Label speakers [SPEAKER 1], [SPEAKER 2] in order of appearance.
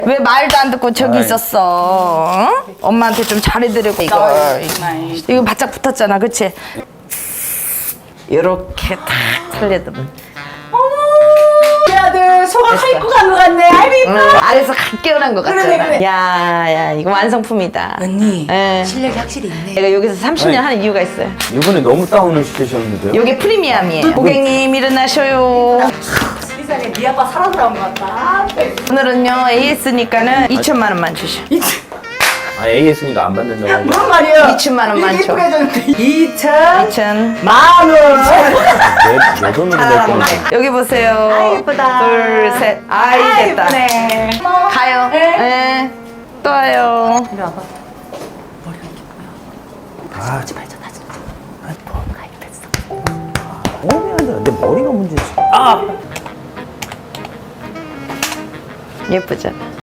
[SPEAKER 1] 왜 말도 안 듣고 저기 있었어? 어? 엄마한테 좀 잘해드리고 이거 바짝 붙었잖아, 그치? 이렇게 탁 살려두면.
[SPEAKER 2] 우리 아들 소가 입고 간 것 같네. 아이고 이뻐.
[SPEAKER 1] 아래서 갓 깨어난 것 같잖아.
[SPEAKER 2] 그래.
[SPEAKER 1] 야, 이거 완성품이다.
[SPEAKER 2] 언니
[SPEAKER 1] 예.
[SPEAKER 2] 실력이 확실히 있네.
[SPEAKER 1] 내가 여기서 30년 하는 이유가 있어요.
[SPEAKER 3] 이번에 너무 다운을 시키셨는데요?
[SPEAKER 1] 요게 프리미엄이에요. 고객님 일어나셔요.
[SPEAKER 2] 세상에 네 아빠 살아 돌아온 것 같다.
[SPEAKER 1] 오늘은요 AS니까는 2천만 원만 주셔.
[SPEAKER 3] 아, AS니까 안 받는다고 하죠.
[SPEAKER 2] 무슨 말이에요?
[SPEAKER 1] 2천만 원만 줘.
[SPEAKER 2] 이쁘게 줬는데 2천
[SPEAKER 1] 2천.
[SPEAKER 2] 만 원.
[SPEAKER 3] 내 돈으로 낼 건데.
[SPEAKER 1] 여기 보세요.
[SPEAKER 2] 아이, 예쁘다.
[SPEAKER 1] 둘, 셋. 아이, 됐다.
[SPEAKER 2] 이쁘네.
[SPEAKER 1] 가요. 네. 또 와요.
[SPEAKER 2] 이리 와봐. 머리가 이렇게 보여. 다시 말자 다시. 가입했어.
[SPEAKER 3] 내 머리가 문제지.
[SPEAKER 1] 예쁘죠?